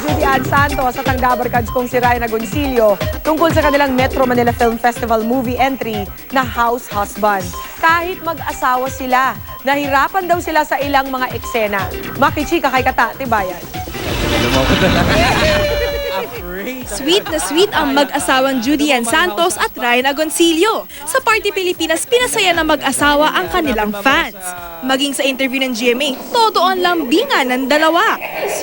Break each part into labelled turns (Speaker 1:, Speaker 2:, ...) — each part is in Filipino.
Speaker 1: Judy Ann Santos at ang Dabarkads kong si Ryan Agoncillo tungkol sa kanilang Metro Manila Film Festival movie entry na House Husband. Kahit mag-asawa sila, nahirapan daw sila sa ilang mga eksena. Makichika kay Kata, Tibayan.
Speaker 2: Sweet na sweet ang mag-asawang Judy Ann Santos at Ryan Agoncillo. Sa Party Pilipinas, pinasaya ng mag-asawa ang kanilang fans. Maging sa interview ng GMA, todo ang lambingan ng dalawa.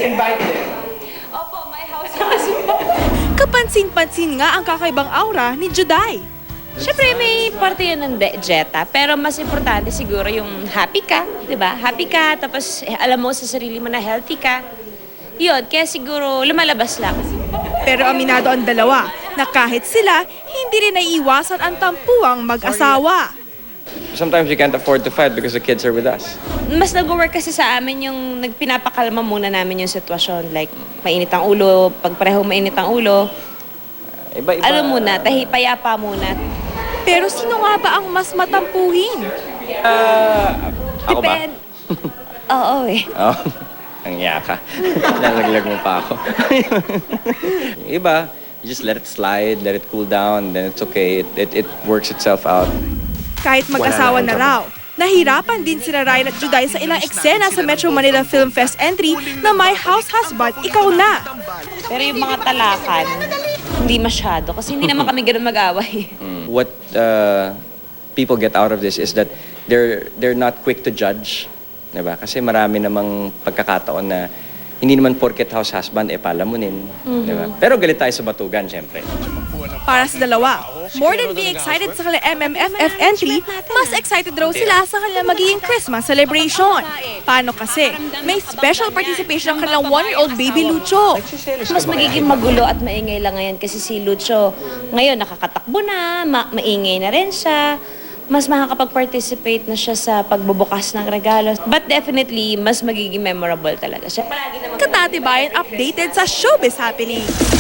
Speaker 2: Kapansin-pansin nga ang kakaibang aura ni Juday.
Speaker 3: Siyempre, may parte yun ng Jetta, pero mas importante siguro yung happy ka, di ba? Happy ka, tapos alam mo sa sarili mo na healthy ka. Yun, kaya siguro lumalabas lang.
Speaker 2: Pero aminado ang dalawa na kahit sila, hindi rin naiiwasan ang tampuang mag-asawa.
Speaker 4: Sometimes we can't afford to fight because the kids are with us.
Speaker 3: Mas nag-work kasi sa amin yung nagpinapakalma muna namin yung sitwasyon. Like, mainit ang ulo, pag parehong mainit ang ulo,
Speaker 4: Iba-iba.
Speaker 3: ano muna, payapa muna.
Speaker 2: Pero sino nga ba ang mas matampuhin?
Speaker 4: Ako ba?
Speaker 3: Oo eh.
Speaker 4: Oh, ang yaka. Lalaglag mo pa ako. Yung iba, you just let it slide, let it cool down, then it's okay. It works itself out.
Speaker 2: Kahit mag-asawa na raw, nahirapan din sila Ryan at Juday sa ilang eksena sa Metro Manila Film Fest entry na My House Husband, Ikaw Na.
Speaker 3: Pero yung mga talakan, hindi masyado. Kasi hindi naman kami ganun mag-away.
Speaker 4: What people get out of this is that they're not quick to judge. Diba? Kasi marami namang pagkakataon na hindi naman porket house husband, palamunin. Diba? Pero galit tayo sa batugan, syempre.
Speaker 2: Para sa dalawa, more than being excited sa kanilang MMFF entry, mas excited raw sila sa kanilang magiging Christmas celebration. Paano kasi? May special participation ang kanilang 1-year-old baby Lucho.
Speaker 3: Mas magiging magulo at maingay lang ngayon kasi si Lucho ngayon nakakatakbo na, maingay na rin siya. Mas makakapag-participate na siya sa pagbubukas ng regalo. But definitely, mas magiging memorable talaga siya.
Speaker 2: Katatibayan updated sa showbiz happening.